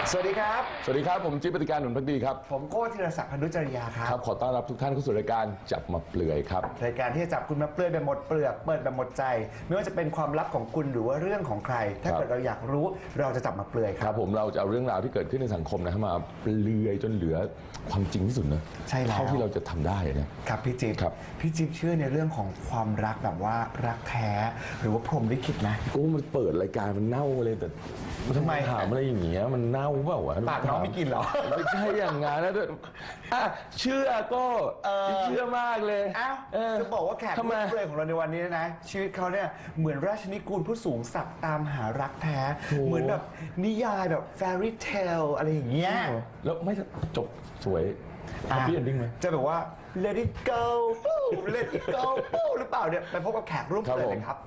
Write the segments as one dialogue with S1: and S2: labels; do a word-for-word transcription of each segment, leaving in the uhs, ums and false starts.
S1: สวัสดีครับ
S2: สวัสดีครับผมจิ๊บปฏิการหนุนพักดีครับ
S1: ผมโก้ธีรศักดิ์พันธุจริยาครับ
S2: ครับขอต้อนรับทุกท่านเข้าสู่รายการจับมาเปลือยครับ
S1: รายการที่จะจับคุณมาเปลือยแบบหมดเปลือกเปิดแบบหมดใจไม่ว่าจะเป็นความลับของคุณหรือว่าเรื่องของใครถ้าเกิดเราอยากรู้เราจะจับมาเปลือยค
S2: ค
S1: รั
S2: รั
S1: บบ
S2: ผมเราจะเอาเรื่องราวที่เกิดขึ้นในสังคมนะมาเปลือยจนเหลือความจริงที่สุดนะ
S1: ใช่แล้ว
S2: เท่าที่เราจะทำได้นะครับ
S1: พี่จิ๊บ
S2: ครับ
S1: พี่จิ๊บเชื่อในเรื่องของความรักแบบว่ารักแท้หรือว่าพรหมลิขิตไหม
S2: โอ้มันเปิดรายการมันเน่าเลยแต่
S1: ทำไม
S2: ถามอะไรอย่างเงี้ยมันเน่าเปล่าวะ
S1: ปากน้องไม่กินเหรอ
S2: ไม่ใช่อย่างงั้นนะอ่ะเชื่อก็เชื่อมากเลย
S1: อ้าว
S2: เออ
S1: จะบอกว่าแขก
S2: ทำไม
S1: รับเชิญของเราในวันนี้นะชีวิตเขาเนี่ยเหมือนราชนิกูลผู้สูงศักดิ์ตามหารักแท้เหมือนแบบนิยายแบบ fairy tale อะไรอย่างเงี้ย
S2: แล้วไม่จบสวย happy ending ไหม
S1: จะแบบว่า let it go ปู้ let it go ปู้หรือเปล่าเนี่ยไปพบกับแขกร่วมเปิดเลยครับ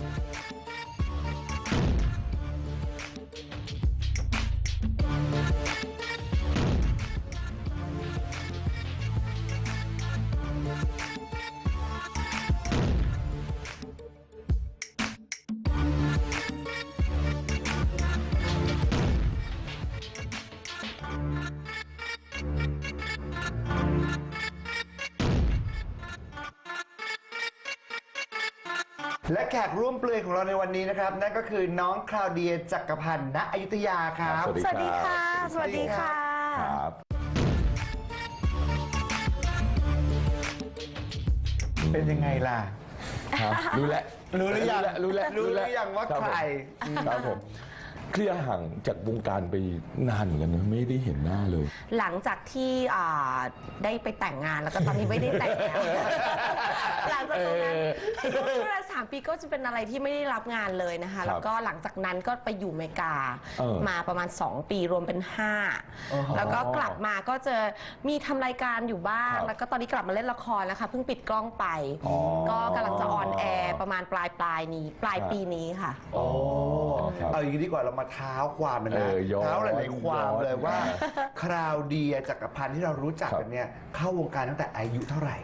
S1: และแขกร่วมเปลือยของเราในวันนี้นะครับนั่นก็คือน้องคลาวเดียจักรพันธ์ณอยุธยาครับ
S2: สวัสดี
S3: สวัสดีค่ะ สวัสดีค่ะ
S2: ครับ
S1: เป็นยังไงล่ะ
S2: ครับรู้แล้ว
S1: รู้หรือยัง
S2: รู้แล้ว
S1: รู้หรือยังว่า
S2: บผม
S1: ใคร
S2: ครับผมเคลียร์ห่างจากวงการไปนานเหมือนกันนะไม่ได้เห็นหน้าเลย
S3: หลังจากที่อ่าได้ไปแต่งงานแล้วก็ตอนนี้ไม่ได้แต่งแล้ว หลังจากตรงนั้นช่วงเวลาสามปีก็จะเป็นอะไรที่ไม่ได้รับงานเลยนะคะ แล้วก็หลังจากนั้นก็ไปอยู่อเมริกา
S2: เออ
S3: มาประมาณสองปีรวมเป็นห้า
S1: อ๋อ
S3: แล้วก็กลับมาก็จะมีทำรายการอยู่บ้าง
S2: ครับ
S3: แล้วก็ตอนนี้กลับมาเล่นละครแล้วค่ะเพิ่งปิดกล้องไป
S2: อ๋อ
S3: ก็กำลังจะออนแอร์ประมาณปลายปลายนี้ ปลาย
S2: ครับ
S3: ปีนี้ค่ะ
S1: โอ้
S2: ครับ
S1: เอาอย่างนี้ดีกว่าเรามาเท้าความมัน
S2: เอ
S1: นะ
S2: อย้อน
S1: เท้าหลายๆความเลยว่า
S2: ย้อน
S1: คราวเดียจักรพันธ์ที่เรารู้จักกันเนี่ยเข้าวงการตั้งแต่อายุเท่าไหร่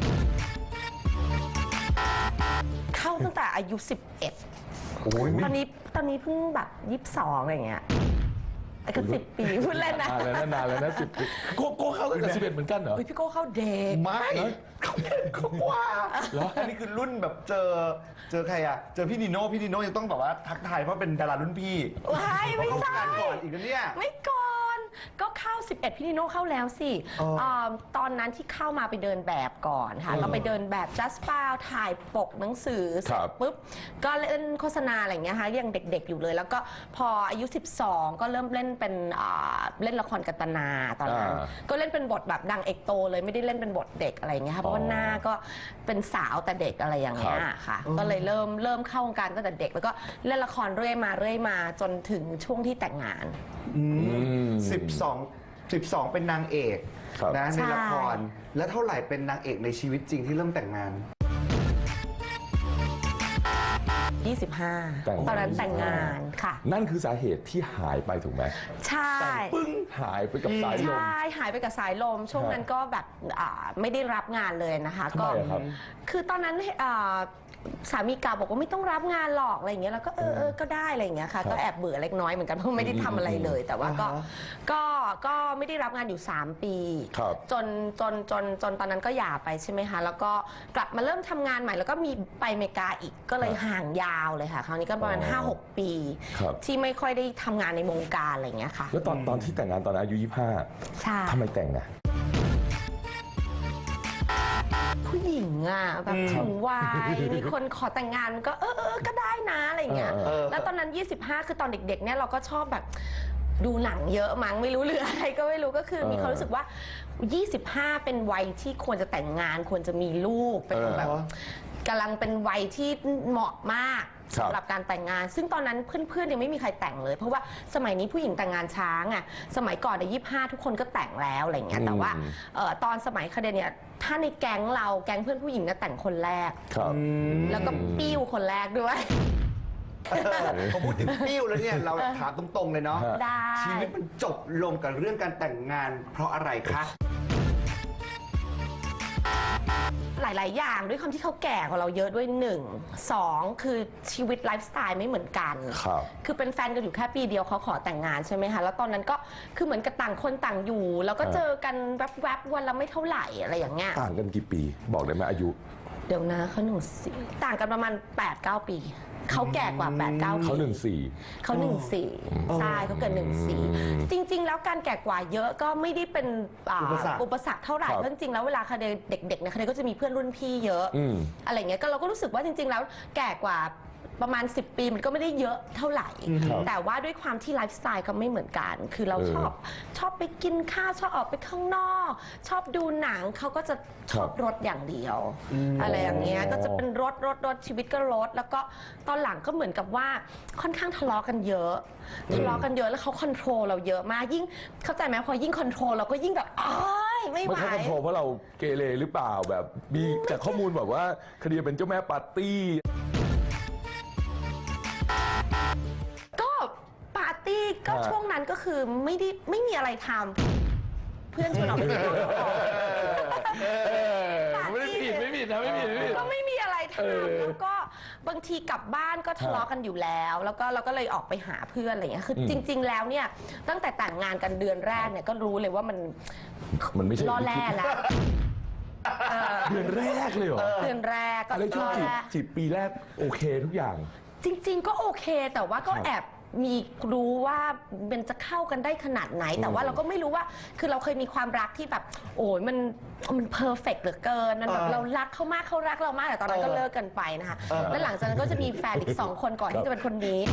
S3: เข้าตั้งแต่อายุสิบเอ็ด
S1: โอ้ย
S3: ตอนนี้ตอนนี้เพิ่งแบบยี่สิบสองอะไรอย่างเงี้ยไอ้ก็สิบปีพูดเล่นนะ
S2: นานแล้วนะนานแล้วนะสิบปีโกโก้เข้าตั้งแต่สิบเอ็ดเหมือนกันเหรอ
S3: เฮ้ยพี่โก้เข้าเด็ก
S1: ไม่เขาเด็กเขากว่า
S2: เหรอ
S1: อันนี้คือรุ่นแบบเจอเจอใครอะเจอพี่นิโน่พี่นิโน่ยังต้องแบบว่าทักทายเพราะเป็นดารารุ่นพี่
S3: ว้ายไม่
S1: เขา
S3: ใช่
S1: เข้าวงการก่อนอีกนะเนี่ย
S3: ไม่ก่อนก็เข้าสิบเอ็ดพี่นิโน่เข้าแล้วสิ
S1: อ๋ออ่
S3: าตอนนั้นที่เข้ามาไปเดินแบบก่อนค่ะ
S1: เออ
S3: เราไปเดินแบบ just p a l ถ่ายปกหนังสือเสร็
S2: ครั
S3: จ
S2: บ
S3: ปุ๊บก็เล่นโฆษณาอะไรอย่างเงี้ยค่ะยังเด็กๆอยู่เลย แล้วก็พออายุสิบสองก็เริ่มเล่นเป็นอ่าเล่นละครกัตนาตอนนั้น
S2: อ่า
S3: ก็เล่นเป็นบทแบบดังเอกโตเลยไม่ได้เล่นเป็นบทเด็กอะไรอย่างเงี้ยค่ะเพราะว่าหน้าก็เป็นสาวแต่เด็กอะไรอย่างเงี้ยค่ะ ก็เลยเริ่มเริ่มเข้าวงการตั้งแต่เด็ก แล้วก็เล่นละครเรื่อยมาเรื่อยมาจนถึงช่วงที่แต่งงาน
S1: สิบสองสิบสองเป็นนางเอก
S2: ครับ
S1: นะ
S3: ใช่
S1: ในละคร แล้วเท่าไหร่เป็นนางเอกในชีวิตจริงที่เริ่มแต่งงาน
S3: ยี่สิบห้า
S2: แต่งงาน
S3: ตอนนั้นแต่งงานค่ะ
S2: นั่นคือสาเหตุที่หายไปถูกไหม
S3: ใช่
S2: ปึ้งหายไปกับสายลม
S3: ใช่หายไปกับสายลม ช่วงนั้นก็แบบอ่าไม่ได้รับงานเลยนะคะ
S2: ทำไมอะครับ
S3: คือตอนนั้นอ่าสามีเก่าบอกว่าไม่ต้องรับงานหรอกอะไรอย่างเงี้ยแล้วก็เออเออก็ได้อะไรอย่างเงี้ยค่ะ ก็แอบเบื่อเล็กน้อยเหมือนกันเพราะไม่ได้ทำอะไรเลย แต่ว่าก็
S1: อ่าฮะ
S3: ก็ก็ไม่ได้รับงานอยู่สามปี
S2: ครับ
S3: จนจนจนจนตอนนั้นก็หย่าไปใช่ไหมคะแล้วก็กลับมาเริ่มทำงานใหม่แล้วก็มีไปอเมริกาอีกก็เลยห่างยาวเลยค่ะคราวนี้ก็ประมาณ
S2: อ๋อ
S3: ห้าหก ปี
S2: ครับ
S3: ที่ไม่ค่อยได้ทำงานในวงการอะไรอย่างเงี้ยค่ะ
S2: แล้วตอนตอนที่แต่งงานตอนอายุยี่สิบห้า
S3: ใช่
S2: ทำไมแต่งนะ
S3: ผู้หญิงอ่ะแบบถึงวัยมีคนขอแต่งงานก็เออเออก็ได้นะอะไรอย่างเงี้ย
S2: เออเออ
S3: แล้วตอนนั้นยี่สิบห้าคือตอนเด็กๆเนี่ยเราก็ชอบแบบดูหนังเยอะมั้งไม่รู้เรื่องอะไรก็ไม่รู้ก็คือมีความรู้สึกว่ายี่สิบห้าเป็นวัยที่ควรจะแต่งงานควรจะมีลูกเป็นแบบกำลังเป็นวัยที่เหมาะมาก
S2: ครับ
S3: สำหรับการแต่งงาน ซึ่งตอนนั้นเพื่อนๆยังไม่มีใครแต่งเลย เพราะว่าสมัยนี้ผู้หญิงแต่งงานช้าไงสมัยก่อนในยี่สิบห้าทุกคนก็แต่งแล้วอะไรอย่างเงี้ยแต่ว่าเอ่อตอนสมัยคเดเนี่ยถ้าในแก๊งเราแก๊งเพื่อนผู้หญิงเนี่ยแต่งคนแรก
S2: ครับ
S3: แล้วก็ปิ้วคนแรกด้วย
S1: พอพูดถึงปิ้วแล้วเนี่ยเราถามตรงๆเลยเนาะ
S3: ได้
S1: ชีวิตมันจบลงกับเรื่องการแต่งงานเพราะอะไรคะ
S3: หลาย ๆ อย่างด้วยความที่เขาแก่กว่าเราเยอะด้วยหนึ่งสองคือชีวิตไลฟ์สไตล์ไม่เหมือนกัน
S2: ครับ
S3: คือเป็นแฟนกันอยู่แค่ปีเดียวเขาขอแต่งงานใช่ไหมคะแล้วตอนนั้นก็คือเหมือนกับต่างคนต่างอยู่ แล้วก็เจอกันแวบ ๆ วันละไม่เท่าไหร่อะไรอย่างเงี้ย
S2: ต่างกันกี่ปีบอกได้ไหมอายุ
S3: เดี๋ยวนะเขาหนึ่งสี่ต่างกันประมาณ แปดเก้า ปีเขาแก่กว่า แปดเก้า ปี
S2: เขาหนึ่งสี่
S3: เขาหนึ่งสี่ใช่เขาเกิดหนึ่งสี่จริง ๆ แล้วการแก่กว่าเยอะก็ไม่ได้เป็นอ่า
S1: อุปสรรค
S3: อุปสรรคเท่าไหร่
S2: ครับ
S3: เพราะจริงๆแล้วเวลาคดีเด็กๆเนี่ยคดีก็จะมีเพื่อนรุ่นพี่เยอะ
S2: อืม
S3: อะไรเงี้ยก็เราก็รู้สึกว่าจริง ๆ แล้วแก่กว่าประมาณ สิบ ปีมันก็ไม่ได้เยอะเท่าไหร่
S2: ครับ
S3: แต่ว่าด้วยความที่ไลฟ์สไตล์ก็ไม่เหมือนกัน คือเรา
S2: เออ
S3: ชอบชอบไปกินข้าวชอบออกไปข้างนอก ชอบดูหนังเขาก็จะชอบรถอย่างเดียว อะไรอย่างเงี้ยก็จะเป็นรถรถรถชีวิตก็รถแล้วก็ตอนหลังก็เหมือนกับว่าค่อนข้างทะเลาะกันเยอะทะเลาะกันเยอะแล้วเขาคอนโทรลเราเยอะมากยิ่งเข้าใจไหมพอยิ่งคอนโทรลเราก็ยิ่งแบบอ้ายไม่ไหว
S2: ไม่ใช่คอนโทรลเพราะเราเกเรหรือเปล่าแบบมีจากข้อมูลแบบว่าคดีเป็นเจ้าแม่ปาร์ตี้
S3: ก็ปาร์ตี้ก็
S2: ฮะ
S3: ช่วงนั้นก็คือไม่ได้ไม่มีอะไรทำเพื่อนชวนออกไปเที่ยว
S2: ไม่ได้ผิดไม่ผิดนะไม่ผิดไม่ผิด
S3: ก็ไม่มีอะไร
S2: เออ
S3: ทำแล้วก็บางทีกลับบ้านก็ทะเลาะกันอยู่แล้ว แล้วก็เราก็เลยออกไปหาเพื่อนอะไรอย่างเงี้ยคืออ
S2: ม
S3: จริง ๆ แล้วเนี่ยตั้งแต่แต่งงานกันเดือนแรกเนี่ยก็รู้เลยว่ามัน
S2: มันไม่ใช่
S3: ล่อแร่แล้วเออ
S2: เดือนแรกเลยเหรอ
S3: เดือนแรกก็
S2: อะไรช่วง
S3: ล่อ
S2: จีบ
S3: แร่
S2: จีบปีแรกโอเคทุกอย่าง
S3: จริง ๆ ก็โอเคแต่ว่าก็
S2: ครับ
S3: แอบมีรู้ว่ามันจะเข้ากันได้ขนาดไหน แต่ว่าเราก็ไม่รู้ว่าคือเราเคยมีความรักที่แบบ โอ้ยมันมันเพอร์เฟกต์เหลือเกินมันแบบ
S1: เออ
S3: เรารักเขามากเขารักเรามากแต่ตอนนั้นก็
S1: เออ
S3: เลิกกันไปนะคะ
S1: เออ
S3: แล้วหลังจากนั้นก็จะมีแฟนอีกสองคนก่อน
S2: ครับ
S3: ที่จะเป็นคนนี้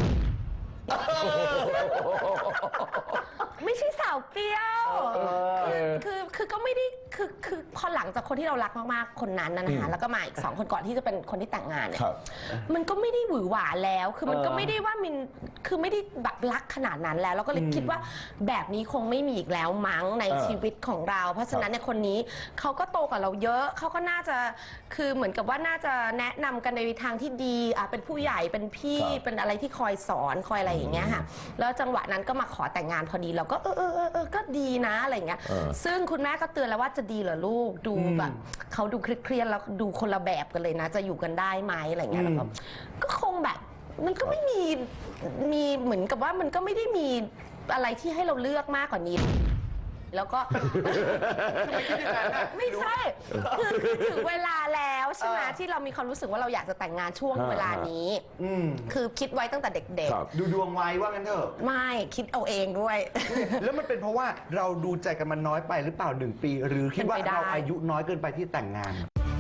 S3: ไม่ใช่สาวเปรี้ยวคือคือคือก็ไม่ได้คือคือพอหลังจากคนที่เรารักมากๆคนนั้นนะนะคะแล้วก็มาอีกสองคนก่อนที่จะเป็นคนที่แต่งงานเนี่ย
S2: ครับ
S3: มันก็ไม่ได้หวือหวาแล้ว คือมันก็
S1: เออ
S3: ไม่ได้ว่ามินคือไม่ได้แบบรักขนาดนั้นแล้ว แล้วก็เลยคิดว่าแบบนี้คงไม่มีอีกแล้วมั้งใน
S2: เออ
S3: ชีวิตของเรา เพราะฉะนั้นเนี่ยคนนี้เขาก็โตกว่าเราเยอะ เขาก็น่าจะ คือเหมือนกับว่าน่าจะแนะนำกันในทางที่ดีอ่ะเป็นผู้ใหญ่ เป็นพี่
S2: ครับ
S3: เป็นอะไรที่คอยสอน คอยอะไรอย่างเงี้ยค่ะ แล้วจังหวะนั้นก็มาขอแต่งงานพอดี เราก็เออเออเออเออก็ดีนะอะไรอย่างเงี้ย
S2: เออ
S3: ซึ่งคุณแม่ก็เตือนแล้วว่าจะดีเหรอลูก ดูแบบเขาดูเครียดๆแล้วดูคนละแบบกันเลยนะ จะอยู่กันได้ไหมอะไรอย่างเงี้ยแล้วก็ ก็คงแบบมันก็ไม่มีมีเหมือนกับว่ามันก็ไม่ได้มีอะไรที่ให้เราเลือกมากกว่านี้ แล้วก็ ไม่ใช่คือคือถึงเวลาแล้วใช่ไหม
S1: เออ
S3: ที่เรามีความรู้สึกว่าเราอยากจะแต่งงานช่วง
S2: ฮะ
S3: เวลานี้
S1: อืม
S3: คือคิดไว้ตั้งแต่เด็ก
S2: ครับ
S1: ดูดวงไว้ว่างั้นเถอะ
S3: ๆ ไม่คิดเอาเองด้วย
S1: แล้วมันเป็นเพราะว่าเราดูใจกันมันน้อยไปหรือเปล่าหนึ่งปี หรือคิดว่า
S3: เป็นไปได้
S1: เราอายุน้อยเกินไปที่แต่งงาน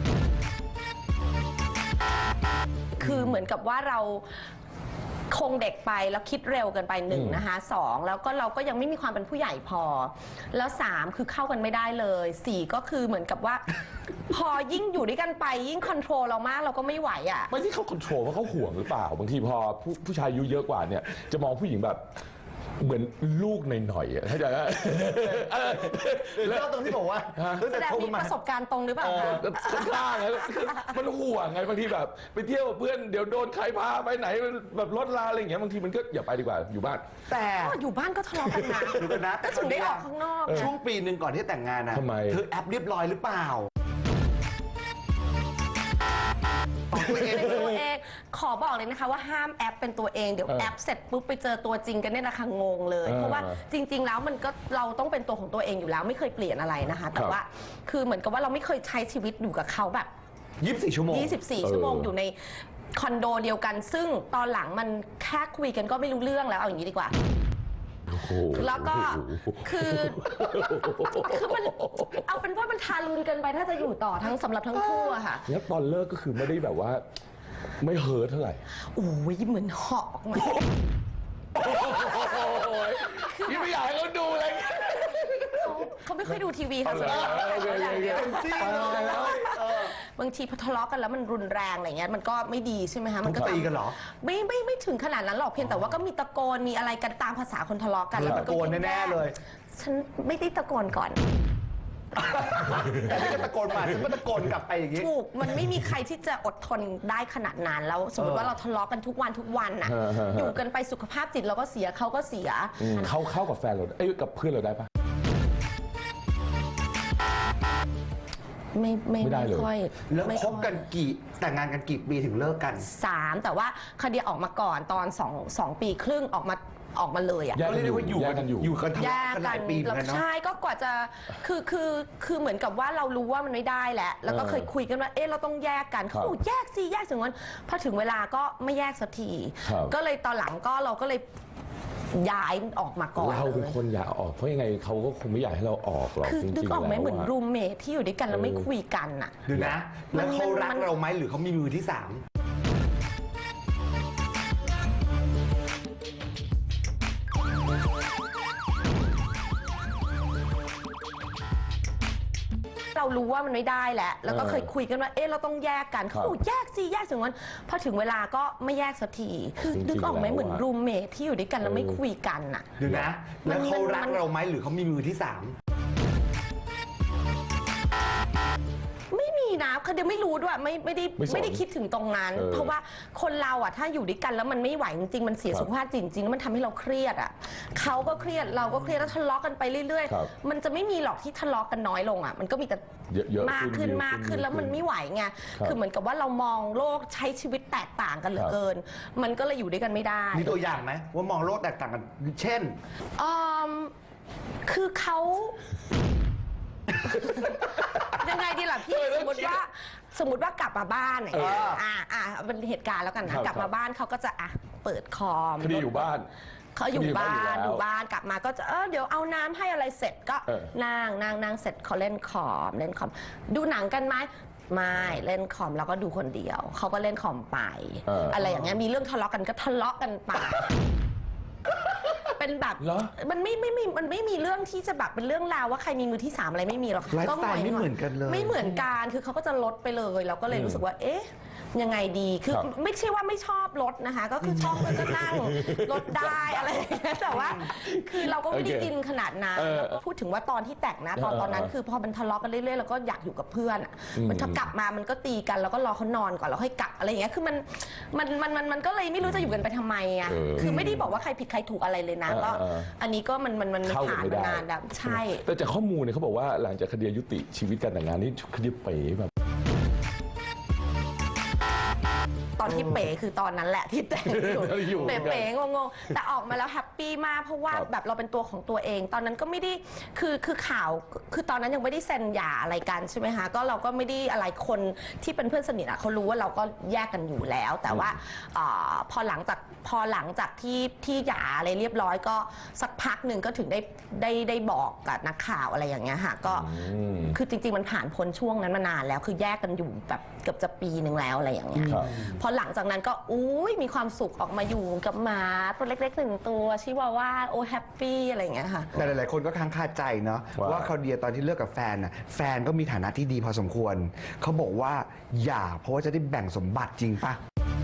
S3: คือเหมือนกับว่าเราคงเด็กไปแล้วคิดเร็วเกินไปหนึ่ง
S2: อืม
S3: นะคะสองแล้วก็เราก็ยังไม่มีความเป็นผู้ใหญ่พอ แล้วสามคือเข้ากันไม่ได้เลยสี่ก็คือเหมือนกับว่า พอยิ่งอยู่ด้วยกันไปยิ่งคอนโทรลเรามากเราก็ไม่ไหวอ่ะ
S2: ไม่ที่เขาคอนโทรลเพราะเขาห่วงหรือเปล่า บางทีพอผู้ผู้ชายอายุเยอะกว่าเนี่ยจะมองผู้หญิงแบบเหมือนลูกหน่อยๆอะเข้าใจไหมเออ
S1: แล้วตรงที่บอกว่า
S2: ฮะ
S1: ตั้ง
S3: แส
S1: แต่
S3: ดง
S1: โทร
S3: มี
S1: มา
S3: ประสบการณ์ตรงหรือเปล่าคะ
S2: ก็ข้างๆไงมันห่วงไงบางทีแบบ ไปเที่ยวกับเพื่อนเดี๋ยวโดนใครพาไปไหนแบบรถลาอะไรอย่างเงี้ยบางทีมันก็อย่าไปดีกว่าอยู่บ้าน
S1: แต่
S3: อ๋ออยู่บ้านก็ทะเลาะกันนะ
S1: ดูกันนะ
S3: ก็ถึงได้ออกข้างนอก
S1: ช่ว
S3: นะ
S1: งปีหนึ่งก่อนที่แต่งงานนะ
S2: ทำไม
S1: เธอแอปเรียบร้อยหรือเปล่าของตัวเอง
S3: เป็น
S1: เล
S3: ตัวย เองขอบอกเลยนะคะว่าห้ามแอปเป็นตัวเองเดี๋ยว
S2: เออ
S3: แอปเสร็จปุ๊บไปเจอตัวจริงกันเนี่ยนะคะงงเลย
S2: เออ
S3: เพราะว่าจริง ๆ แล้วมันก็เราต้องเป็นตัวของตัวเองอยู่แล้วไม่เคยเปลี่ยนอะไรนะคะ แต่
S2: ครับ
S3: ว่าคือเหมือนกับว่าเราไม่เคยใช้ชีวิตอยู่กับเขาแบบ
S1: ยี่สิบสี่ชั่วโมง
S3: ยี่สิบสี่
S2: เออ
S3: ชั่วโมงอยู่ในคอนโดเดียวกัน ซึ่งตอนหลังมันแค่คุยกันก็ไม่รู้เรื่องแล้วเอาอย่างนี้ดีกว่า
S2: โอ้โห
S3: แล้วก็คือคือมันเอาเป็นว่ามันทารุณเกินไปถ้าจะอยู่ต่อทั้งสำหรับทั้งคู่อะค่ะ
S2: แล้วตอนเลิกก็คือไม่ได้แบบว่า ไม่เฮิร์ทเท่าไหร่
S3: โอ้ยเหมือนเหาะออกมา
S2: พี่ไม่อยากให้เขาดูเลย
S3: เขาเขาไม่ค่อยดูทีวีค่ะส่วนใหญ่
S2: เอาเลย
S3: เขาอย่างเดียว
S1: จริงเลยเออบ
S3: างทีพอทะเลาะกันแล้วมันรุนแรงอะไรเงี้ยมันก็ไม่ดีใช่ไหมคะมันก็
S1: ตีกันเหรอ
S3: ไม่ไม่ไม่ถึงขนาดนั้นหรอกเพียงแต่ว่าก็มีตะโกนมีอะไรกันตามภาษาคนทะเลาะกันแล้วมันก็
S1: ตะโกนแน่ๆเลย
S3: ฉันไม่ได้ตะโกนก่อน
S1: แต่นี่ก็ตะโกนมาฉันก็ตะโกนกลับไปอย่างนี้
S3: ถูกมันไม่มีใครที่จะอดทนได้ขนาดนั้นแล้วสมมติว่าเราทะเลาะกันทุกวันทุกวันน่ะ
S2: ฮะฮะฮะ
S3: อยู่กันไปสุขภาพจิตเราก็เสียเขาก็เสีย
S2: เขาเข้ากับแฟนเราเอ้ยกับเพื่อนเราได้ปะ
S3: ไม่ไม่
S2: ไม่ได้เลย
S3: ค่อย
S1: แล้ว
S3: ไม่
S1: คบกันกี่แต่งงานกันกี่ปีถึงเลิกกัน
S3: สามแต่ว่าคดีออกมาก่อนตอนสองสองปีครึ่งออกมาออกมาเลยอ่ะ
S2: แย
S1: ก็เรียกได้ว่าอยู่
S2: แย
S1: กั
S2: กกันอยู่
S1: อยู่กันทะ
S3: แย
S1: เลาะ
S3: ก
S1: กันห
S3: กั
S1: ลาน ยปีเหมือนกันเนาะ
S3: ใช่ก็กว่าจะคือคือคือเหมือนกับว่าเรารู้ว่ามันไม่ได้แล้วแล้วก็
S2: เออ
S3: เคยคุยกันว่าเอ๊ะเราต้องแยกกัน
S2: ครับ
S3: เขาบอกแยกสิแยกถึงวันพอถึงเวลาก็ไม่แยกสักที
S2: ครับ
S3: ก็เลยตอนหลังก็เราก็เลยย้ายออกมาก่อน
S2: เราเป็น
S3: เลย
S2: คนอยากออกเพราะยังไงเขาก็คงไม่อยากให้เราออกหรอก
S3: คือ
S2: จริงๆ
S3: นึกออกไหม
S2: แล้ว
S3: เหมือน
S2: อะ
S3: รูมเมทที่อยู่ด้วยกันแล้วไม่
S2: เออ
S3: คุยกันอ่ะ
S1: ดูนะ แล้วเขารัก
S3: มัน
S1: เราไหมหรือเขามีมือที่สาม
S3: เรารู้ว่ามันไม่ได้แล้วแล้วก็
S2: เออ
S3: เคยคุยกันว่าเอ๊ะเราต้องแยกกัน
S2: ครั
S3: เขา
S2: บ
S3: บอกแยกสิแยกถึงวันพอถึงเวลาก็ไม่แยกสักทีคือ
S2: จริงๆ
S3: นึกออกไหม
S2: แล้วอะ
S3: เหมือนรูมเมทที่อยู่ด้วยกันแล้วไม่
S2: เออ
S3: คุยกันอ่ะ
S1: ดูนะ แล้วเขารัก
S3: มัน
S1: เราไหมหรือเขามีมือที่สาม
S3: ไม่มีนะคือเดี๋ยวไม่รู้ด้วยไม่ไม่ได้
S2: ไม่สน
S3: ไม่ได้คิดถึงตรงนั้น
S2: เออ
S3: เพราะว่าคนเราอ่ะถ้าอยู่ด้วยกันแล้วมันไม่ไหวจริงๆมันเสีย
S2: ครับ
S3: สุขภาพจริงๆแล้วมันทำให้เราเครียดอ่ะเขาก็เครียดเราก็เครียดแล้วทะเลาะกันไปเรื่อย
S2: ครับ
S3: ๆ มันจะไม่มีหรอกที่ทะเลาะกันน้อยลงอ่ะมันก็มีแต่
S2: เยอะๆ
S3: มากขึ้น
S2: เยอะ
S3: มากขึ้นแล้วมัน
S2: เยอะ
S3: ไม่ไหวไง
S2: ครับ
S3: คือเหมือนกับว่าเรามองโลกใช้ชีวิตแตกต่างกันเหลือเกิน มันก็เลยอยู่ด้วยกันไม่ได้
S1: มีตัวอย่างไหมว่ามองโลกแตกต่างกัน เช่น
S3: อืมคือเขา ยังไงดีล่ะพี่สมมติว่าสมมติว่ากลับมาบ้านอย่างเงี้ย
S1: เอออ่
S3: อ่าอ่าเป็นเหตุการณ์แล้วกัน
S2: ครั
S3: นะ
S2: บ
S3: กลับมาบ้านเขาก็จะอ่ะเปิดคอม
S2: คดีอยู่บ้าน
S3: เขาอยู่บ้าน
S2: คดีอยู่บ้านอยู่แล้ว
S3: อยู่บ้านกลับมาก็จะเออเดี๋ยวเอาน้ำให้อะไรเสร็จก็
S2: เออ
S3: นั่งนั่งนั่งเสร็จเขาเล่นคอมเล่นคอม ดูหนังกันไหมไม่เล่นคอมแล้วก็ดูคนเดียวเขาก็เล่นคอมไป
S2: เอออ
S3: อะไรอย่างเงี้ยมีเรื่องทะเลาะกันก็ทะเลาะกันไป เป็นแบบ
S2: เหรอ
S3: มันไม่ไม่มีมันไม่มีเรื่องที่จะแบบเป็นเรื่องราวว่าใครมีมือที่สามอะไรไม่มีหรอก
S1: ไลฟ์สไตล์ไม่เหมือนกันเลย
S3: ไม่เหมือนกันคือเขาก็จะลดไปเลยเราก็เลยรู้สึกว่า เอ๊ะยังไงดีคือ
S2: ครับ
S3: ไม่ใช่ว่าไม่ชอบรถนะคะ ก็คือชอบแล้วก็นั่งรถได้อะไรอย่างเงี้ยแต่ว่า คือเราก็ไม่ได้
S2: โอเค
S3: อินขนาดนั้น
S2: เออ
S3: แล้วก็พูดถึงว่าตอนที่แต่งนะตอน
S2: เออ
S3: ตอนนั้น
S2: เออ
S3: คือพอมันทะเลาะกันเรื่อยๆเราก็อยากอยู่กับเพื่อนอะ
S2: อืม
S3: มันถ้ากลับมามันก็ตีกันแล้วก็รอเขานอนก่อนแล้วค่อยกลับอะไรอย่างเงี้ยคือมันมันมันมันมันก็เลยไม่รู้จะอยู่กันไปทำไมอ่ะ
S2: เออ
S3: คือไม่ได้บอกว่าใครผิดใครถูกอะไรเลยนะ
S2: เออ
S3: ก็
S2: เออ
S3: อันนี้ก็มันมันมัน
S2: เข้ากัน
S3: ผ่าน
S2: ไม่
S3: มา
S2: ได้
S3: นานแล้วใช่
S2: แต่จากข้อมูลเนี่ยเขาบอกว่าหลังจากคดียุติชีวิตการแต่งงานนี่คดีเป๋แบบ
S3: ตอนที่เป๋คือตอนนั้นแหละที่แต่งอยู่
S2: อยู่
S3: เป๋ๆงงๆแต่ออกมาแล้วแฮปปี้มากเพราะว่า
S2: ครับ
S3: แบบเราเป็นตัวของตัวเอง ตอนนั้นก็ไม่ได้คือคือข่าวคือตอนนั้นยังไม่ได้เซ็นหย่าอะไรกันใช่ไหมคะก็เราก็ไม่ได้อะไรคนที่เป็นเพื่อนสนิทอะเขารู้ว่าเราก็แยกกันอยู่แล้ว แต่ว่าอ่าพอหลังจากพอหลังจากที่ที่หย่าอะไรเรียบร้อยก็สักพักหนึ่งก็ถึงได้ได้ได้บอกกับนักข่าวอะไรอย่างเงี้ยค่ะก็
S2: อืม
S3: คือจริงๆมันผ่านพ้นช่วงนั้นมานานแล้วคือแยกกันอยู่แบบเกือบจะปีหนึ่งแล้วอะไรอย่างเงี้ย
S2: ครับ
S3: พอหลังจากนั้นก็อุ้ยมีความสุขออกมาอยู่กับหมาตัวเล็กๆหนึ่งตัวชิวาว่าโอ้แฮปปี้อะไรอย่างเงี้ยค่ะ
S1: แต่หลายๆคนก็ค้างคาใจเนาะ
S2: ว่า
S1: ว่าเขาเดียตอนที่เลิกกับแฟนน่ะแฟนก็มีฐานะที่ดีพอสมควร เขาบอกว่าอย่าเพราะว่าจะได้แบ่งสมบัติจริงปะ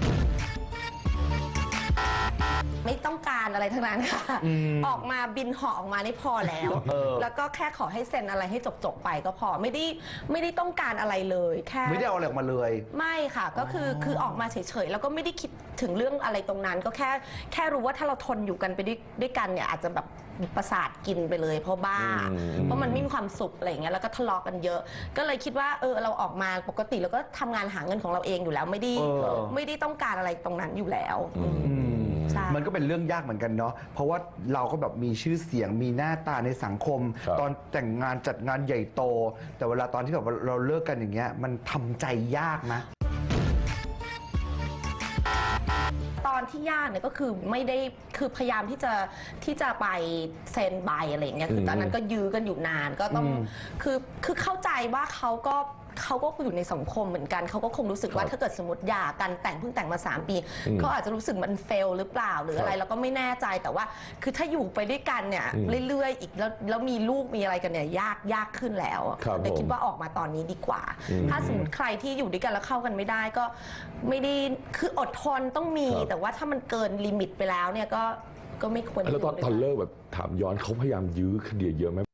S3: ไม่ต้องการอะไรทั้งนั้นค่ะ ออกมาบินเหาะออกมานี่พอแล้ว
S1: เออ
S3: แล้วก็แค่ขอให้เซ็นอะไรให้จบๆไปก็พอไม่ได้ไม่ได้ต้องการอะไรเลยแค่
S1: ไม่ได้เอาอะไรออกมาเลย
S3: ไม่ค่ะก็คือคือออกมาเฉยๆแล้วก็ไม่ได้คิดถึงเรื่องอะไรตรงนั้น ก็แค่แค่รู้ว่าถ้าเราทนอยู่กันไปด้วยด้วยกันเนี่ยอาจจะแบบประสาทกินไปเลย เพราะบ้า
S2: อืม
S3: เพราะมันไม่มีความสุขอะไรอย่างเงี้ยแล้วก็ทะเลาะกันเยอะ ก็เลยคิดว่าเออเราออกมาปกติเราก็ทำงานหาเงินของเราเองอยู่แล้วไม่ได้
S1: เออ
S3: ไม่ได้ต้องการอะไรตรงนั้นอยู่แล้ว
S2: อืม
S3: ใช่
S1: มันก็เป็นเรื่องยากเหมือนกันเนาะ เพราะว่าเราก็แบบมีชื่อเสียง มีหน้าตาในสังคม
S2: ครับ
S1: ตอนแต่งงานจัดงานใหญ่โต แต่เวลาตอนที่แบบว่าเราเลิกกันอย่างเงี้ย มันทำใจยากนะ
S3: ตอนที่ยากเนี่ยก็คือไม่ได้คือพยายามที่จะที่จะไปเซ็นใบอะไรอย่างเงี้ยคือตอนนั้นก็ยื้อกันอยู่นานก็ต้อง
S1: อืม
S3: คือคือเข้าใจว่าเขาก็เขาก็อยู่ในสังคมเหมือนกันเขาก็คงรู้สึกว่า
S2: ครับ
S3: ถ้าเกิดสมมติหย่ากันแต่งเพิ่งแต่งมาสามปี
S2: อืม
S3: เขาอาจจะรู้สึกมันเฟลหรือเปล่าหรืออะไร
S2: ครับ
S3: เราก็ไม่แน่ใจแต่ว่า คือถ้าอยู่ไปด้วยกันเนี่ย
S2: อืม
S3: เรื่อยๆอีกแล้วแล้วมีลูกมีอะไรกันเนี่ยยากยากขึ้นแล้ว
S2: ครับ
S3: แต่คิด
S2: ผม
S3: ว่าออกมาตอนนี้ดีกว่า
S2: อืม
S3: ถ้าสมมติใครที่อยู่ด้วยกันแล้วเข้ากันไม่ได้ก็ไม่ได้คืออดทนต้องมี
S2: ครับ
S3: แต่ว่าถ้ามันเกินลิมิตไปแล้วเนี่ยก็ก็ไม่ควร
S2: แล้วตอน
S3: ยู่ด้วย
S2: ตอนเลิกแบบถามย้อนเขาพยายามยื้อคดีเยอะไหม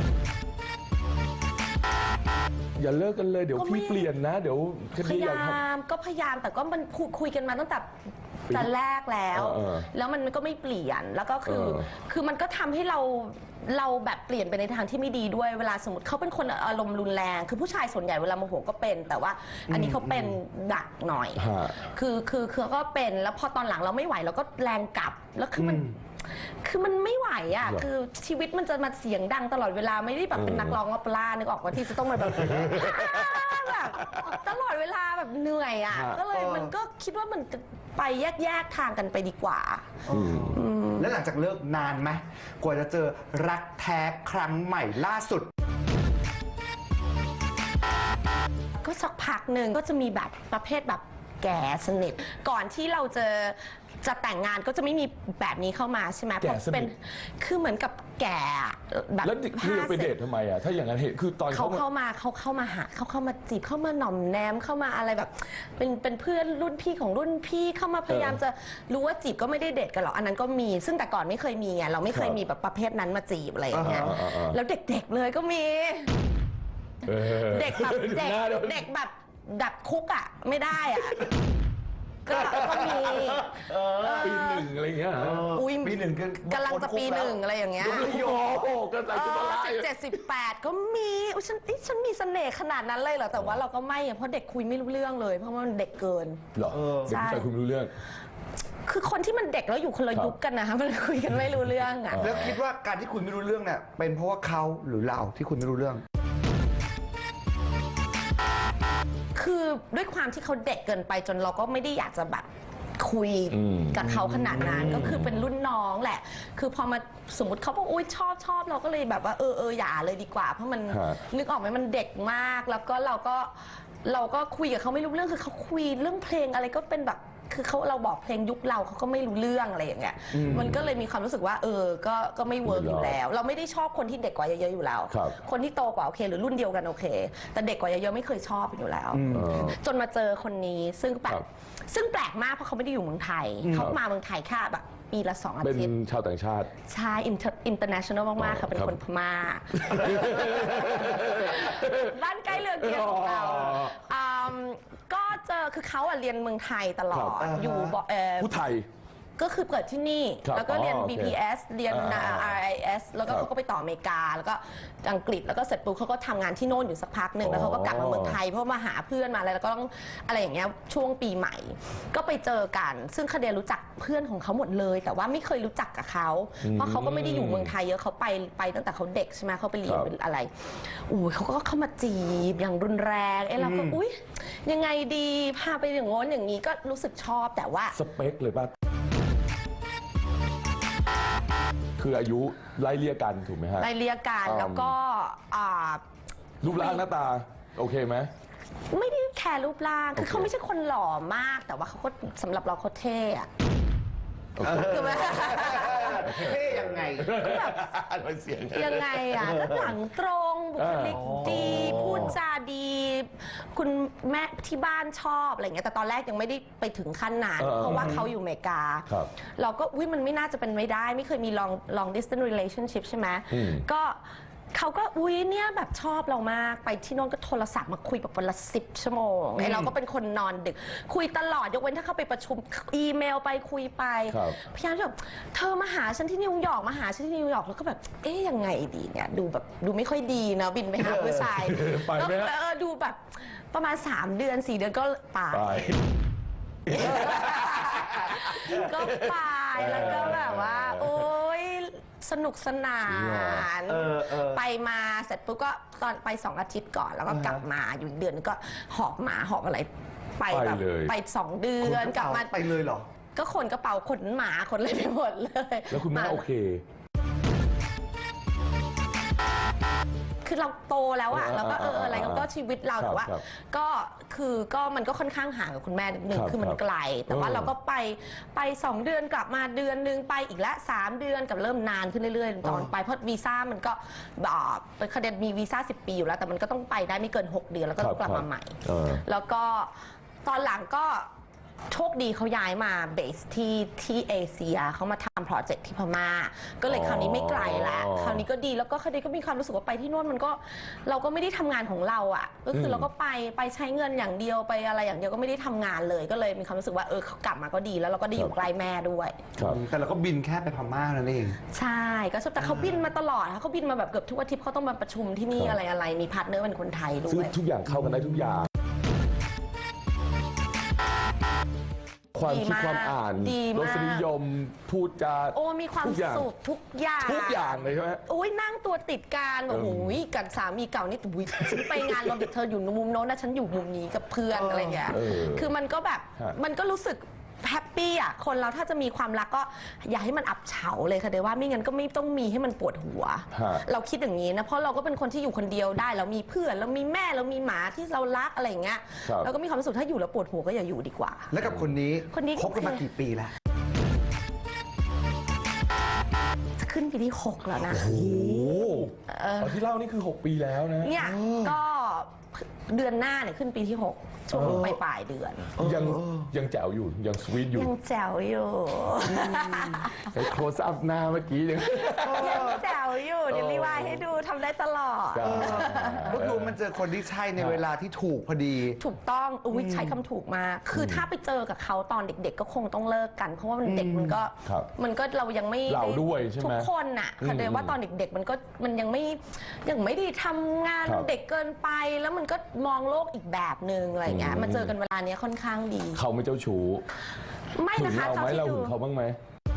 S2: อย่าเลิกกันเลยเดี๋ยวพี่เปลี่ยนนะ เดี๋ยวค
S3: พ
S2: ดี
S3: ยา
S2: อยากท
S3: ยามก็พยายามแต่ก็มันพูดคุยกันมาตั้งแต่จะแลกแล้ว
S2: เออ
S3: แล้วมันก็ไม่เปลี่ยนแล้วก็คือ
S2: เออ
S3: คือมันก็ทำให้เราเราแบบเปลี่ยนไปในทางที่ไม่ดีด้วยเวลาสมมติเขาเป็นคนอารมณ์รุนแรง คือผู้ชายส่วนใหญ่เวลาโมโหก็เป็น แต่ว่าอันนี้เขาเป็นดักหน่อย
S2: ฮะ
S3: คือคือคือก็เป็นแล้วพอตอนหลังเราไม่ไหวเราก็แรงกลับแล้วคือมัน คือมันไม่ไหวอ่ะ
S2: หรอ
S3: คือชีวิตมันจะมาเสียงดังตลอดเวลาไม่ได้แบบเป็นนักร้องออเปร่านึกออกว่าที่จะต้องมาแบบ แบบตลอดเวลาแบบเหนื่อยอ่ะ
S2: ฮะ
S3: ก็เลยมันก็คิดว่ามันจะไปแยกแยกๆทางกันไปดีกว่า
S1: แล้วหลังจากเลิกนานไหมกว่าจะเจอรักแท้ครั้งใหม่ล่าสุด
S3: ก็สักพักหนึ่งก็จะมีแบบประเภทแบบแก่สนิทก่อนที่เราจะจะแต่งงานก็จะไม่มีแบบนี้เข้ามาใช่ไหม
S2: แก่สนิท
S3: เป็นคือเหมือนกับแก่แบบ
S2: แล้วเรียกไปเดททำไมอ่ะถ้าอย่างนั้นเห็นคือตอน
S3: เขา
S2: เขา
S3: เข้ามาเขาเข้ามาหาเขาเข้ามาจีบเข้ามาหน่อมแนมเข้ามาอะไรแบบ เป็นเป็นเพื่อนรุ่นพี่ของรุ่นพี่เข้ามาพยายามจะรู้ว่าจีบก็ไม่ได้เดทกันหรอกอันนั้นก็มี ซึ่งแต่ก่อนไม่เคยมีไงเราไม่เคยมีแบบประเภทนั้นมาจีบอะไรอย่างเงี้ย
S2: อ่าอ่าอ่า
S3: แล้วเด็กๆเลยก็มี
S2: ออ
S3: เด็กแบบ
S2: ดู
S3: เด็ก
S2: หน้าดู
S3: เด็กแบบดับคุกอ่ะไม่ได้อ่ะก็ก็มี
S2: ปีหนึ่งอะไรเงี้ย
S3: อุ้ย
S1: ปีหนึ่งคือก
S3: ำลังจะปีหนึ่งอะไรอย่างเงี้ย
S2: โอ้โหก็ใส่ชุดมาไล่
S3: สิบเจ็ดสิบแปดก็มีอุ๊ยฉันนี่ฉันมีเสน่ห์ขนาดนั้นเลยเหรอแต่ว่าเราก็ไม่อะเพราะเด็กคุยไม่รู้เรื่องเลย เพราะว่ามันเด็กเกิน
S2: เหรอเด็กผู้ชายคุณไม่รู้เรื่อง
S3: คือคนที่มันเด็กแล้วอยู่คนละยุคกันนะคะมันคุยกันไม่รู้เรื่องอ่ะ
S1: แล้วคิดว่าการที่คุณไม่รู้เรื่องเนี่ยเป็นเพราะว่าเขาหรือเราที่คุณไม่รู้เรื่อง
S3: คือด้วยความที่เขาเด็กเกินไปจนเราก็ไม่ได้อยากจะแบบคุย
S2: อืม
S3: กับเขาขนาดนั้นก็คือเป็นรุ่นน้องแหละ คือพอมาสมมติเขาบอกอุ้ยชอบชอบเราก็เลยแบบว่าเออเอออย่าเลยดีกว่า เพราะมัน
S2: ฮะ
S3: นึกออกไหมมันเด็กมากแล้วก็เราก็เราก็คุยกับเขาไม่รู้เรื่องคือเขาคุยเรื่องเพลงอะไรก็เป็นแบบคือเขาเราบอกเพลงยุคเราเขาก็ไม่รู้เรื่องอะไรอย่างเงี้ยมันก็เลยมีความรู้สึกว่าเออก็ก็ไม่เวิร์กอยู่แล้ว เราไม่ได้ชอบคนที่เด็กกว่าเยอะๆอยู่แล้ว
S2: ครับ
S3: คนที่โตกว่าโอเคหรือรุ่นเดียวกันโอเค แต่เด็กกว่าเยอะๆไม่เคยชอบอยู่แล้ว
S2: เออ
S3: จนมาเจอคนนี้ซึ่งแปล
S2: ครั
S3: ก
S2: บ
S3: ซึ่งแปลกมากเพราะเขาไม่ได้อยู่เมืองไทย เขามาเมืองไทยแค่แบบปีละสองอา
S2: เป็น
S3: ทิตย์
S2: ชาวต่างชาติ
S3: ใช่อินเตอร์เนชั่นแนลมาก ๆ ค่ะ เป็น
S2: ครับ
S3: คนพม่า บ้านใกล้เรือเกียรของเรา
S2: อ๋อ
S3: มก็เจอคือเขาอะเรียนเมืองไทยตลอ
S2: ครั
S3: ด
S2: บ
S3: อยู่บ่เอ่อ
S2: ผู้ไทย
S3: ก็คือเกิดที่นี่
S2: ครับ
S3: แล้วก็เรียน
S2: อ๋อโอเค
S3: บี พี เอส เรียน
S2: อ่า
S3: อาร์ ไอ เอส แล้วก็
S2: ครับ
S3: เขาก็ไปต่ออเมริกา แล้วก็อังกฤษ แล้วก็เสร็จปุ๊บเขาก็ทำงานที่โน่นอยู่สักพักหนึ่ง แล้วเขาก็กลับมาเมืองไทย เพราะมาหาเพื่อนมาอะไร แล้วก็ต้องอะไรอย่างเงี้ย ช่วงปีใหม่ ก็ไปเจอกัน ซึ่งคาเดียรู้จักเพื่อนของเขาหมดเลย แต่ว่าไม่เคยรู้จักกับเขา เพราะเขาก็ไม่ได้อยู่เมืองไทยเยอะ เขาไปไปตั้งแต่เขาเด็กใช่ไหมเขาไปเรียน
S2: ครับ
S3: เป็นอะไรอุ้ยเขาก็เข้ามาจีบอย่างรุนแรงเอ้เราก็อุ้ยยังไงดีพาไปอย่างโน้นอย่างนี้ก็รู้สึกชอบแต่ว่า
S2: สเปคเลยป่ะ คืออายุไล่เลี่ยกันถูกไหมฮะ
S3: ไล่เรียกกัน
S2: อืม
S3: แล้วก็อ่า
S2: รูปร่างหน้าตา โอเคไหม
S3: ไม่ได้แคร์รูปร่าง คือ
S2: โอเค
S3: เขาไม่ใช่คนหล่อมาก แต่ว่าเขาก็สำหรับเราเขาเท่อะ
S2: โอเค
S3: คือแบบ
S1: เท่ยังไง
S2: มันเสียง
S3: ยังไงอ่ะก็หลังตรงบุคลิกดี
S1: อ๋อ
S3: พูดจาดี คุณแม่ที่บ้านชอบอะไรเงี้ยแต่ตอนแรกยังไม่ได้ไปถึงขั้นนั้น
S2: เออ
S3: เพราะว่าเขาอยู่อเมริกา
S2: ครับ
S3: เราก็อุ้ยมันไม่น่าจะเป็นไม่ได้ ไม่เคยมี long long distance relationship ใช่ไหม
S2: อืม
S3: ก็เขาก็อุ้ยเนี่ยแบบชอบเรามากไปที่โน่นก็โทรศัพท์มาคุยแบบวันละสิบชั่วโมงไอเราก็เป็นคนนอนดึก คุยตลอดยกเว้นถ้าเข้าไปประชุมอีเมลไปคุยไป
S2: ครับ
S3: พยายามแบบเธอมาหาฉันที่นิวยอร์กมาหาฉันที่นิวยอร์กแล้วก็แบบเอ๊ยยังไงดีเนี่ยดูแบบดูไม่ค่อยดีนะบินไปหาผู้ชาย
S2: ไปไหมฮะ
S3: แล้วเออดูแบบประมาณสามเดือนสี่เดือนก็ไป
S2: ไป
S3: ก็ไปแล้วก็แบบว่า โอ๊ยสนุกสนาน
S1: เออเออ
S3: ไปมาเสร็จปุ๊บก็ตอนไปสองอาทิตย์ก่อนแล้วก็
S1: อ่าฮะ
S3: กลับมาอยู่อีกเดือนนึงก็หอบหมาหอบอะไรไปแบบ
S2: ไปเลย
S3: ไปสองเดือนกลับมา
S1: ไปเลยเหรอ
S3: ก็ขนกระเป๋าขนหมาขนอะไรไปหมดเลย
S2: แล้วคุณแม่
S3: า
S2: โอเค
S3: คือเราโตแล้วอะ
S2: เออ
S3: แล้วก็เออ
S2: เออ
S3: อะไร
S2: เออ
S3: ก็ชีวิตเรา
S2: ครับ
S3: แต่ว่า
S2: ครับ
S3: ก็คือก็มันก็ค่อนข้างห่างกับคุณแม่นิดนึง
S2: ครับ
S3: คือมัน
S2: ครับ
S3: ไกล แต่ว่า
S2: เออ
S3: เราก็ไปไปสองเดือนกลับมาเดือนนึงไปอีกละสามเดือนกับเริ่มนานขึ้นเรื่อยๆตอนไปเพราะวีซ่ามันก็แบบเป็นคดีมีวีซ่าสิบปีอยู่แล้วแต่มันก็ต้องไปได้ไม่เกินหกเดือนแล้วก็ต้องกลับมาใหม่
S2: เออ
S3: แล้วก็ตอนหลังก็โชคดีเขาย้ายมาเบสที่ที่เอเชียเขามาทำโปรเจกต์ที่พม่าก็เลยคราวนี้ไม่ไกลแล้วคราวนี้ก็ดีแล้วก็คราวนี้ก็มีความรู้สึกว่าไปที่โน่นมันก็เราก็ไม่ได้ทำงานของเราอ่ะก็คือเราก็ไปไปใช้เงินอย่างเดียวไปอะไรอย่างเดียวก็ไม่ได้ทำงานเลยก็เลยมีความรู้สึกว่าเออเขากลับมาก็ดีแล้วเราก็ได้อยู่ใกล้แม่ด้วย
S2: ครับ
S1: แต่เราก็บินแค่ไปพม่านั่นเอง
S3: ใช่ก็ชอบแต่เขาบินมาตลอดค่ะเขาบินมาแบบเกือบทุกอาทิตย์เขาต้องมาประชุมที่นี่อะไรอะไรมีพาร์ทเนอร์เป็นคนไทยด้
S2: ซึ่ง
S3: วย
S2: ทุกอย่างเข้ากันได้ทุกอย่าง ความคิดความอ่าน
S3: ดี
S2: ร
S3: มาก
S2: สนิยมพูดจา
S3: โอ้มีความ
S2: ทุกอย่าง
S3: สุขทุกอย่าง
S2: ทุกอย่างเลยใช่ไหม
S3: โอ้ยนั่งตัวติดกันแบบ
S2: เออ
S3: โอ้ยกับสามีเก่านี่อุ้ยฉันไปงานรวมเด็กเธออยู่มุมโน้นนะฉันอยู่มุมนี้กับเพื่อนอะไรอย่างเงี้ย
S2: เออ
S3: คือมันก็แบบ
S2: ฮะ
S3: มันก็รู้สึกแฮปปี้อ่ะคนเราถ้าจะมีความรักก็อย่าให้มันอับเฉาเลยค่ะเดี๋ยวว่าไม่งั้นก็ไม่ต้องมีให้มันปวดหัว
S2: ฮะ
S3: เราคิดอย่างนี้นะเพราะเราก็เป็นคนที่อยู่คนเดียวได้เรามีเพื่อนเรามีแม่เรามีหมาที่เรารักอะไรอย่างเงี้ย
S2: ครับ
S3: เราก็มีความรู้สึกถ้าอยู่แล้วปวดหัวก็อย่าอยู่ดีกว่า
S1: แล้วกับคนนี้
S3: คนนี้
S1: คบกันมากี่ปีแล้ว
S3: จะขึ้นปีที่หกแล้วนะ
S2: โอ้โหเอาที่เล่านี่คือ หก ปีแล้วนะ
S3: เนี่ยก็เดือนหน้าเนี่ยขึ้นปีที่หกช่วงปลายปลายๆเดือน
S2: ยังยังแจ๋วอยู่ยังสวีทอยู่
S3: ยังแจ๋วอยู่
S2: ไอ้โคสอัพหน้าเมื่อกี้ยัง
S3: ยังแจ๋วอยู่เดี๋ยวรีวายให้ดูทำได้ตลอด
S1: ก็คือมันเจอคนที่ใช่ในเวลาที่ถูกพอดี
S3: ถูกต้องอุ้ยใช้คำถูกมากคือถ้าไปเจอกับเขาตอนเด็ก ๆ ก็คงต้องเลิกกัน เพราะว่ามันเด็กมันก็
S2: ครับ
S3: มันก็เรายังไม่
S2: เราด้วยใช่ไหม
S3: ทุกคนน่ะคือเดยว่าตอนเด็ก ๆ มันก็มันยังไม่ยังไม่ได้ทำงาน
S2: ครับ
S3: เด็กเกินไปแล้วมันก็มองโลกอีกแบบหนึ่งอะไรอย่างเงี้ยมาเจอกันเวลาเนี้ยค่อนข้างดี
S2: เขาไม่เจ้าชู้
S3: ไม่
S2: หึง
S3: นะคะ
S2: เราไหม
S3: ที่
S2: เรา
S3: ดู
S2: หึงเขาบ้างไหม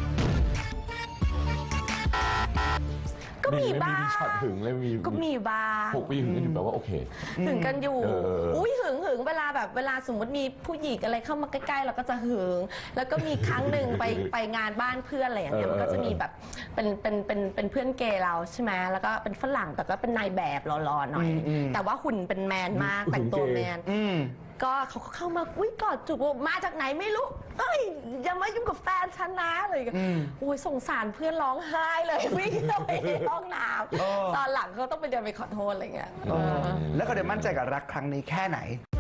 S3: ก็มี
S2: ไม่
S3: บ้าง
S2: มีช็อตหึงเลยมี
S3: ก็มีบ้าง
S2: หกปีหึงกันอยู่แบบว่าโอเค
S3: หึงกันอยู่
S2: เอออุ้
S3: อุ้ยหึงหึงเวลาแบบเวลาสมมติมีผู้หญิงอะไรเข้ามาใกล้ๆเราก็จะหึง แล้วก็มีครั้งหนึ่งไปไปงานบ้านเพื่อนอะไรอย่างเงี้ย
S2: เออ
S3: มันก็จะมีแบบเป็นเป็นเป็นเป็นเพื่อนเกย์เราใช่ไหมแล้วก็เป็นฝรั่งแต่ก็เป็นนายแบบหล่อๆหน่อย แต่ว่าหุ่นเป็นแมนมากแต่งตัวแมน
S1: อืม
S3: ก็เขาก็เข้ามาอุ้ยกอดจูบบอกมาจากไหนไม่รู้เอ้ยอย่ามายุ่งกับแฟนฉันนะอะไรอย่างเงี้ยอุ้ยสงสารเพื่อนร้องไห้เลยวิ่งเข้าไปในห้องน้ำตอนหลังเขาต้องไปเดินไปขอโทษอะไรอย่างเงี้ย
S1: แล้วเขาได้มั่นใจกับรักครั้งนี้แค่ไหน